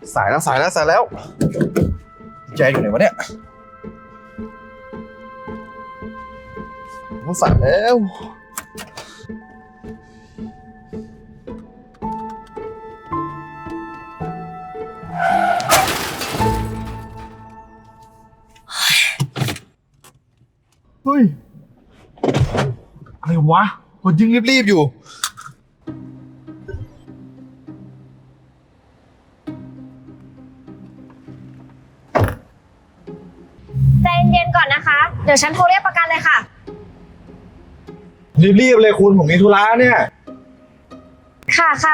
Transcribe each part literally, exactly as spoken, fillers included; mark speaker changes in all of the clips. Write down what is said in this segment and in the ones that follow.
Speaker 1: สายแล้วสายแล้วสายแล้วแจอยู่ไหนวะเนี่ยสายแล้วเฮ้ยอะไรวะคนยิ่งรีบๆอยู่
Speaker 2: ใจเย็นๆก่อนนะคะ เดี๋ยวฉันโทรเรียกประกันเลยค่ะ
Speaker 1: รีบๆเลยคุณผมมีธุระเนี่ย
Speaker 2: ค่ะค่ะ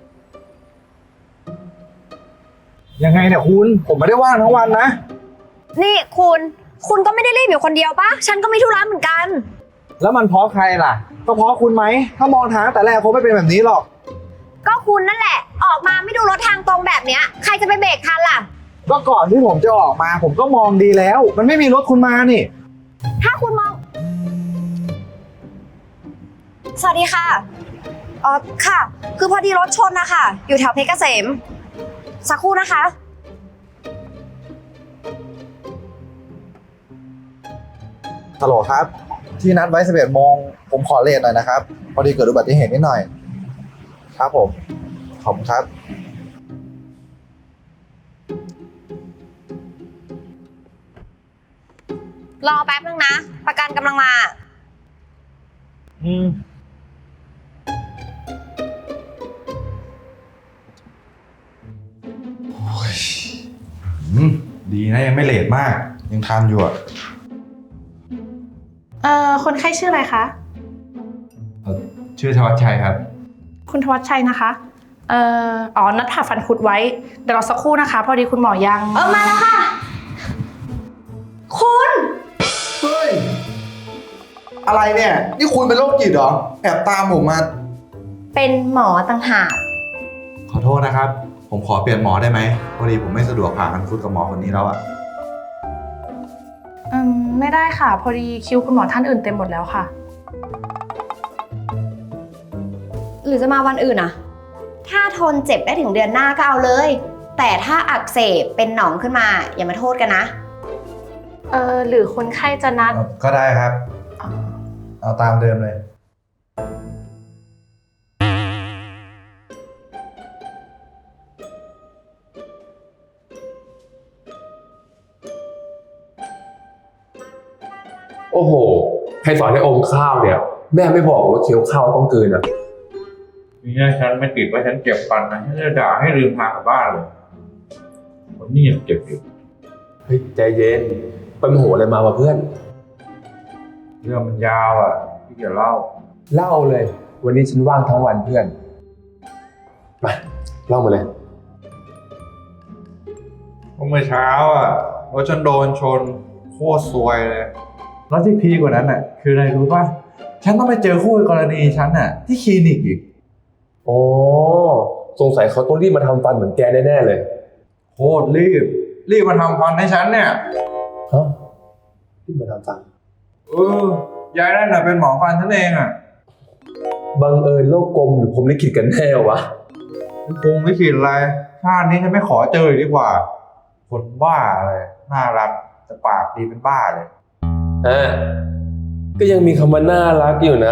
Speaker 1: ยังไงเนี่ยคุณผมไม่ได้ว่างทั้งวันนะ
Speaker 2: นี่คุณ คุณก็ไม่ได้รีบอยู่คนเดียวปะฉันก็มีธุระเหมือนกัน
Speaker 1: แล้วมันเพราะใครล่ะก็เพราะคุณไหมถ้ามองทางแต่แรกคงไม่เป็นแบบนี้หรอก
Speaker 2: ก็คุณนั่นแหละ ออกมาไม่ดูรถทางตรงแบบเนี้ย ใครจะไปเบรกทันล่ะ
Speaker 1: ก็ก่อนที่ผมจะออกมาผมก็มองดีแล้ว มันไม่มีรถคุณมานี่
Speaker 2: ถ้าคุณมอง สวัสดีค่ะอ๋อค่ะ คือพอดีรถชนนะคะ อยู่แถวเพชรเกษม สักครู่นะคะ
Speaker 1: ฮัลโหลครับ ที่นัดไว้สิบเอ็ดโมงผมขอเลทหน่อยนะครับ พอดีเกิดอุบัติเหตุนิดหน่อย ครับผมขอบคุณครับ
Speaker 2: รอแป๊บนึงนะ ประกันกำลังมา
Speaker 1: อืมโอ้ยอืมดีนะยังไม่เลทมาก ยังทันอยู่อ่ะ
Speaker 3: เอ่อคนไข้ชื่ออะไรคะ
Speaker 1: ชื่อธวัชชัยครับ
Speaker 3: คุณทวัชชัยนะคะ เอ่อ อ๋อ นัดผ่าฟันคุดไว้ เดี๋ยวรอสักครู่นะคะ พอดีคุณหมอยัง
Speaker 2: เออมาแล้วค่ะ คุณ
Speaker 1: เฮ้ย อะไรเนี่ย นี่คุณเป็นโรคจิตเหรอ แอบตามผมมา
Speaker 2: เป็นหมอต่างหาก
Speaker 1: ขอโทษนะครับ ผมขอเปลี่ยนหมอได้ไหมพอดีผมไม่สะดวกผ่ากันฟุตกับหมอคนนี้แล้วอะ
Speaker 3: อืม ไม่ได้ค่ะ พอดีคิวคุณหมอท่านอื่นเต็มหมดแล้วค่ะ
Speaker 2: หรือจะมาวันอื่นอะถ้าทนเจ็บได้ถึงเดือนหน้าก็เอาเลย แต่ถ้าอักเสบเป็นหนองขึ้นมาอย่ามาโทษกันนะ
Speaker 3: เอ่อ หรือคนไข้จะนัด
Speaker 1: ก็ได้ครับ เอาตามเดิมเลย
Speaker 4: โอ้โหใครสอนให้อมข้าวเนี่ย แม่ไม่บอกว่าเคี้ยวข้าวต้องกลืนอ่ะ
Speaker 5: ทีนี้ฉันไม่ติดว่าฉันเก็บฟันนะฉันจะด่าให้ลืมทางกลับบ้านเลยวันนี้ยังเจ็บอยู่
Speaker 4: เฮ้ยใจเย็นไปโมโหอะไรมาวะเพื่อน
Speaker 5: เรื่องมันยาวอ่ะที่จะเล่า
Speaker 4: เล่าเลย วันนี้ฉันว่างทั้งวันเพื่อนมาเล่ามาเลย
Speaker 5: เมื่อเช้าอ่ะรถฉันโดนชนโคตรซวยเลยแล้วที่พีกว่านั้นอ่ะ คืออะไรรู้ป่ะฉันต้องไปเจอคู่กรณีฉันอ่ะ ที่คลินิกอีก
Speaker 4: อ๋อสงสัยเขาต้องรีบมาทำฟันเหมือนแกแน่ๆเลย
Speaker 5: โคตรรีบ รีบมาทำฟันให้ฉันเนี่ย
Speaker 4: ฮะรีบมาทำฟัน
Speaker 5: เออยายนั่นน่ะเป็นหมอฟันฉันเองอ่ะ
Speaker 4: บังเอิญโลกกลมหรือผมลิขิตกันแน่วะ
Speaker 5: คงไม่คิดอะไรชาตินี้ฉันไม่ขอเจอเลยดีกว่า คนบ้าเลยน่ารักแต่ปากดีเป็นบ้าเลย
Speaker 4: อ่าก็ยังมีคำว่าน่ารักอยู่นะ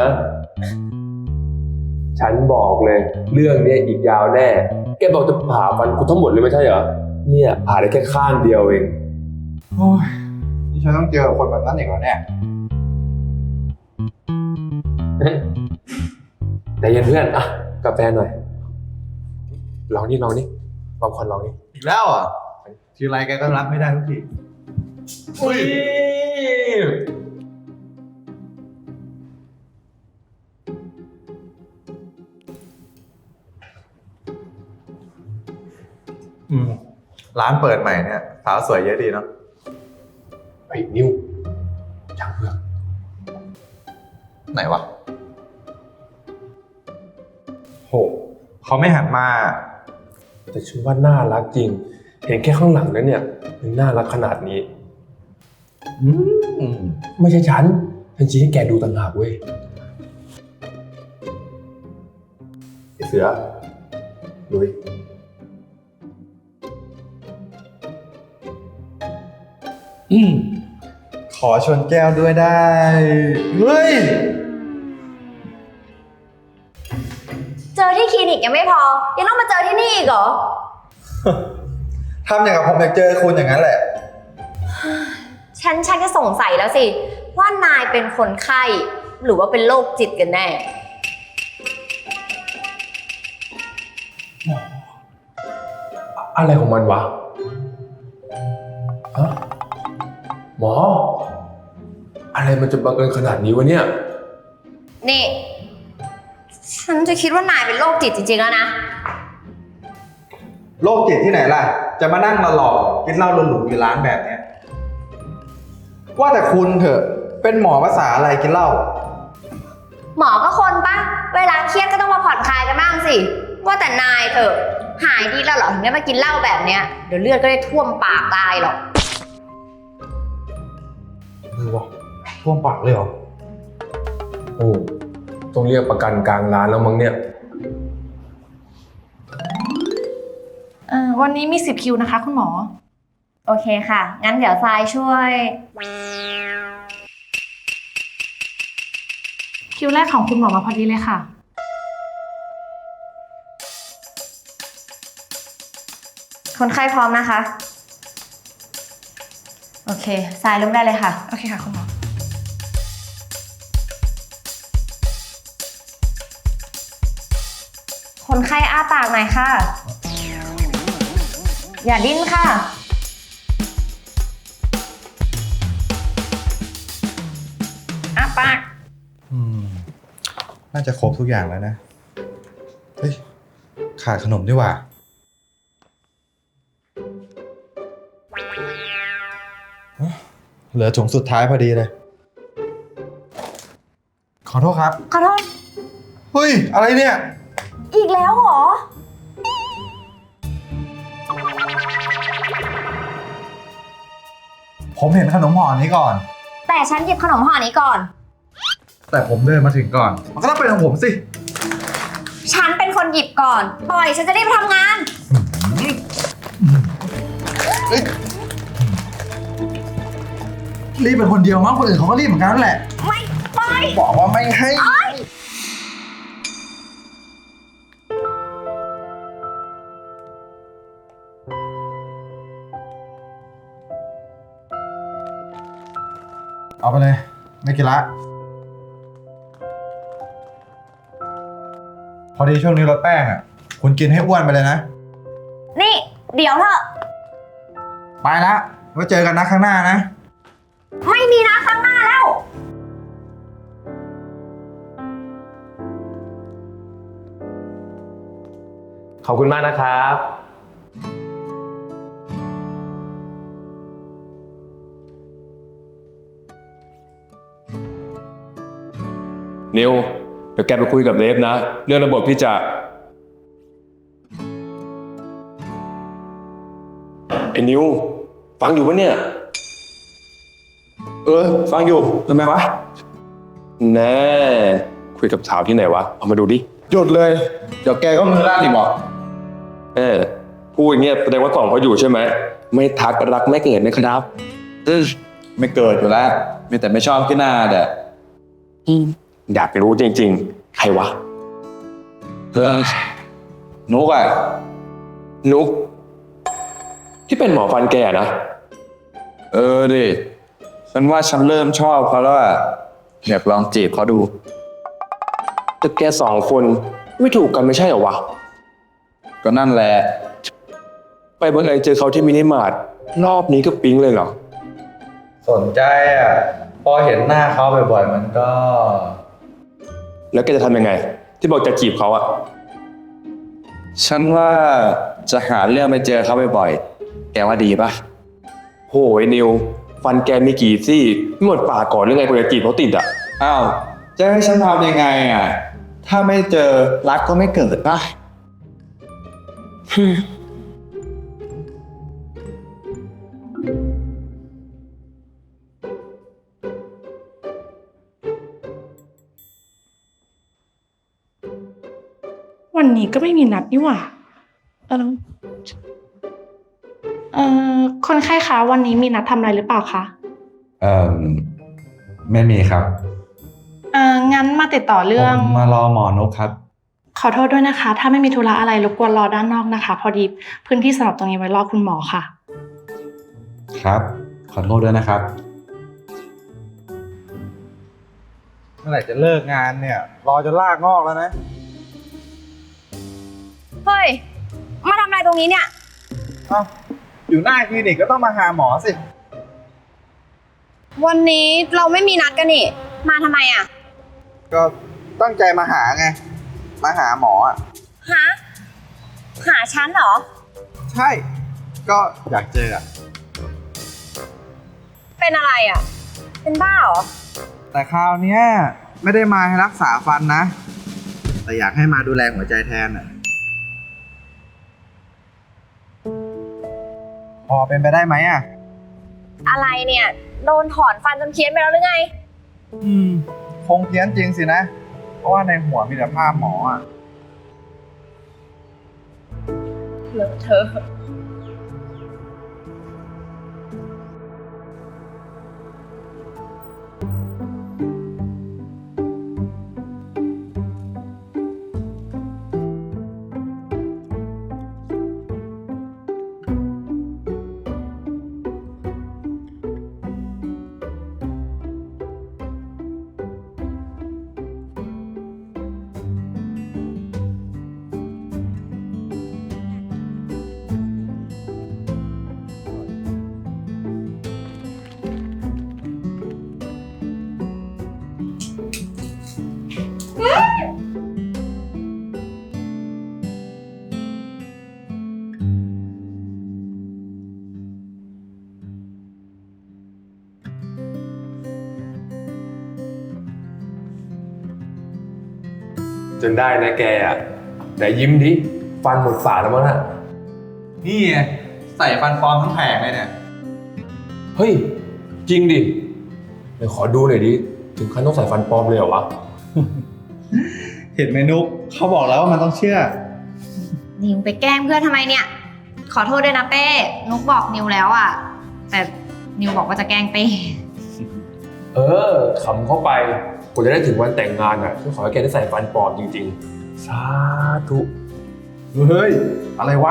Speaker 4: ฉันบอกเลย เรื่องเนี้ยอีกยาวแน่ แกบอกจะผ่าฟันกูทั้งหมดเลยไม่ใช่เหรอ เนี่ยผ่าได้แค่ข้างเดียวเอง
Speaker 5: โอ้ยนี่ฉันต้องเจอคนแบบนั้นอีกเหรอเนี่ย
Speaker 4: แต่เย็นเพื่อนอ่ะกาแฟหน่อย ลองนี่ลองนี่ลองควันลองนี่
Speaker 1: อีกแล้วอ่ะทีไรแกก็รับไม่ได้ทุกที
Speaker 4: อุ้ย
Speaker 1: อืมร้านเปิดใหม่เนี่ยสาวสวยเยอะดีเนาะ
Speaker 4: ไอ้นิวช่างเพื่อน
Speaker 1: ไหนวะโหเขาไม่หันมา
Speaker 4: แต่ฉันว่าน่ารักจริง เห็นแค่ข้างหลังนั้นเนี่ยยังน่ารักขนาดนี้
Speaker 1: อืม
Speaker 4: ไม่ใช่ฉัน ฉันชี้ให้แกดูต่างหากเว้ยไอ้เสือลุยอืม
Speaker 5: ขอชนแก้วด้วยได้ เฮ้ย
Speaker 2: เจอที่คลินิกยังไม่พอ ยังต้องมาเจอที่นี่อีกเหรอ
Speaker 5: ทำอย่างกับผมอยากเจอคุณอย่างนั้นแหละ
Speaker 2: ฉันชักจะสงสัยแล้วสิ ว่านายเป็นคนไข้ หรือว่าเป็นโรคจิตกันแน่
Speaker 4: อะไรของมันวะฮะหมอ อะไรมันจะบังเอิญขนาดนี้วะเนี่ย
Speaker 2: นี่ ฉันจะคิดว่านายเป็นโรคจิตจริงๆแล้วนะ
Speaker 5: โรคจิตที่ไหนล่ะ จะมานั่งมาหลอกกินเหล้าหรูๆอยู่ร้านแบบเนี้ย ว่าแต่คุณเถอะ เป็นหมอภาษาอะไรกินเหล้า
Speaker 2: หมอก็คนปะเวลาเครียดก็ต้องมาผ่อนคลายกันบ้างสิ ว่าแต่นายเถอะ หายดีแล้วเหรอถึงได้มากินเหล้าแบบเนี้ย เดี๋ยวเลือดก็ได้ท่วมปากตายหรอก
Speaker 5: เออวะท่วมปากเลยเหรอ
Speaker 4: โอ้ต้องเรียกประกันกลางร้านแล้วมั้งเนี่ย
Speaker 3: เอ่อวันนี้มีสิบคิวนะคะคุณหมอ
Speaker 2: โอเคค่ะ งั้นเดี๋ยวทรายช่วย
Speaker 3: คิวแรกของคุณหมอมาพอดีเลยค่ะ
Speaker 2: คนไข้พร้อมนะคะ โอเคทรายเริ่มได้เลยค่ะ
Speaker 3: โอเคค่ะคุณหมอ
Speaker 2: คนไข้อ้าปากหน่อยค่ะ อย่าดิ้นค่ะ
Speaker 3: อ่ะปาก
Speaker 5: อืม น่าจะครบทุกอย่างแล้วนะ เฮ้ย ขาดขนมด้วยว่ะเอ้อเหลือถุงสุดท้ายพอดีเลย ขอโทษครับ
Speaker 2: ขอโทษ
Speaker 5: เฮ้ย อะไรเนี่ย
Speaker 2: อีกแล้วเหรอ
Speaker 5: ผมเห็นขนมห่อนี้ก่อน
Speaker 2: แต่ฉันหยิบขนมห่อนี้ก่อน
Speaker 5: แต่ผมเดินมาถึงก่อน มันก็ต้องเป็นของผมสิ
Speaker 2: ฉันเป็นคนหยิบก่อน ปล่อยฉันจะได้ไปทำงาน
Speaker 5: รีบเป็นคนเดียวมั้งคนอื่นเขาก็รีบเหมือนกันนั่นแหละ
Speaker 2: ไม่ปล่อย
Speaker 5: บอกว่าไม่ให้ เอาไปเลย ไม่กินละ พอดีช่วงนี้ลดแป้งอ่ะ คุณกินให้อ้วนไปเลยนะ
Speaker 2: นี่ เดี๋ยวเถอะ
Speaker 5: ไปละไว้เจอกันนะข้างหน้านะ
Speaker 2: ไม่มีนะข้างหน้าแล้ว
Speaker 4: ขอบคุณมากนะครับ นิว เดี๋ยวแกไปคุยกับเลฟนะ เรื่องระบบที่จะ ไอ้นิว ฟังอยู่ปะเนี่ย
Speaker 5: เออ ฟังอยู่ทำไมวะ
Speaker 4: แน่ คุยกับสาวที่ไหนวะ เอามาดูดิ
Speaker 5: หยุดเลย เดี๋ยวแกก็มือลั่นอีกหมอ
Speaker 4: เออพูดอย่างเงี้ยแสดงว่ากล่องเขาอยู่ใช่ไหม ไม่ทักรักไม่เกิดนะครับ
Speaker 5: ไม่เกิดอยู่แล้ว มีแต่ไม่ชอบที่หน้าเด้อ
Speaker 4: อยากรู้จริงๆ ใครวะ
Speaker 5: เออนุกอ่ะ
Speaker 4: นุก ที่เป็นหมอฟันแก่นะ
Speaker 6: เออดิฉันว่าฉันเริ่มชอบเขาแล้วอะอยากลองจีบเขาดู
Speaker 4: แต่แกสองคนไม่ถูกกันไม่ใช่เหรอวะ
Speaker 6: ก็นั่นแหละ
Speaker 4: ไปบังเอิญเจอเขาที่มินิมาร์ทรอบนี้ก็ปิ๊งเลยเหรอ
Speaker 5: สนใจอ่ะ พอเห็นหน้าเขาบ่อยๆ มันก็
Speaker 4: แล้วแกจะทำยังไง ที่บอกจะจีบเขาอะ
Speaker 6: ฉันว่าจะหาเรื่องไปเจอเขาบ่อยๆแกว่าดีปะ
Speaker 4: โหยนิว ฟันแกมีกี่ซี่ไม่หมดปากก่อนหรือไงกว่าจะจีบเขาติดอะ
Speaker 6: อ้าวจะให้ฉันทำยังไงอะถ้าไม่เจอรักก็ไม่เกิดปะ
Speaker 3: วันนี้ก็ไม่มีนัดนี่หว่าเออเอ่อคนไข้คะวันนี้มีนัดทำอะไรหรือเปล่าคะ
Speaker 5: เอ่อไม่มีครับ
Speaker 3: เอ่องั้นมาติดต่อเรื่อง
Speaker 5: ผมมารอหมอนกครับ
Speaker 3: ขอโทษด้วยนะคะ ถ้าไม่มีธุระอะไรรบกวนรอด้านนอกนะคะ พอดีพื้นที่สำหรับตรงนี้ไว้รอคุณหมอค่ะ
Speaker 5: ครับ ขอโทษด้วยนะครับ เมื่อไหร่จะเลิกงานเนี่ย รอจนลากงอกแล้วนะ
Speaker 2: เฮ้ย มาทำอะไรตรงนี้เนี่ย
Speaker 5: เอ้า อยู่หน้าคลินิกก็ต้องมาหาหมอสิ
Speaker 2: วันนี้เราไม่มีนัดกันนี่ มาทำไมอ่ะ
Speaker 1: ก็ตั้งใจมาหาไง มาหาหมออ่ะ
Speaker 2: หา หาฉันเหรอ
Speaker 1: ใช่ ก็อยากเจออ่ะ
Speaker 2: เป็นอะไรอ่ะ เป็นบ้าเหรอ
Speaker 1: แต่คราวเนี้ยไม่ได้มาให้รักษาฟันนะ แต่อยากให้มาดูแลหัวใจแทนอ่ะ พอเป็นไปได้ไหมอ่ะ
Speaker 2: อะไรเนี่ย โดนถอนฟันจนเพี้ยนไปแล้วหรือไง
Speaker 1: อืม คงเพี้ยนจริงสินะ เพราะว่าในหัวมีแต่ภาพหมออ่ะ
Speaker 2: เลอะเธอะ
Speaker 4: จนได้นะแกอ่ะไหนยิ้มดิ ฟันหมดฝาแล้วมั้งน่ะ
Speaker 5: นี่ไงใส่ฟันปลอมทั้งแผงเลยเนี่ย
Speaker 4: เฮ้ย จริงดิเดี๋ยวขอดูหน่อยดิ ถึงขั้นต้องใส่ฟันปลอมเลยเหรอวะ
Speaker 5: เห็นไหมนุกเขาบอกแล้วว่ามันต้องเชื่อ
Speaker 2: นิวไปแกล้งเพื่อนทำไมเนี่ย ขอโทษด้วยนะเป้ นุกบอกนิวแล้วอ่ะ แต่นิวบอกว่าจะแกล้งเป้
Speaker 4: เออขำเข้าไปกว่าจะได้ถึงวันแต่งงานอ่ะฉันขอให้แกได้ใส่ฟันปลอมจริงๆ สาธุ
Speaker 5: เฮ้ย อะไรวะ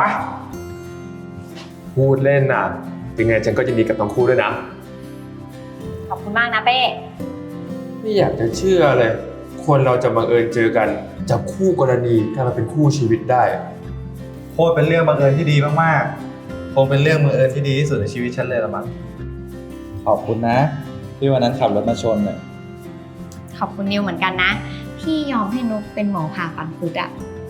Speaker 4: พูดเล่นน่ะ เป็นไงฉันก็จะดีกับทั้งคู่ด้วยนะ
Speaker 2: ขอบคุณมากนะเป้
Speaker 4: ไม่อยากจะเชื่อเลย คนเราจะบังเอิญเจอกันจากคู่กรณีกลายมาเป็นคู่ชีวิตได้
Speaker 5: โคตรเป็นเรื่องบังเอิญที่ดีมากๆ คงเป็นเรื่องบังเอิญที่ดีที่สุดในชีวิตฉันเลยละมั้ง ขอบคุณนะ ที่วันนั้นขับรถมาชนเนี่ย
Speaker 2: ขอบคุณนิวเหมือนกันนะ ที่ยอมให้นุกเป็นหมอผ่าฟันคุดอ่ะ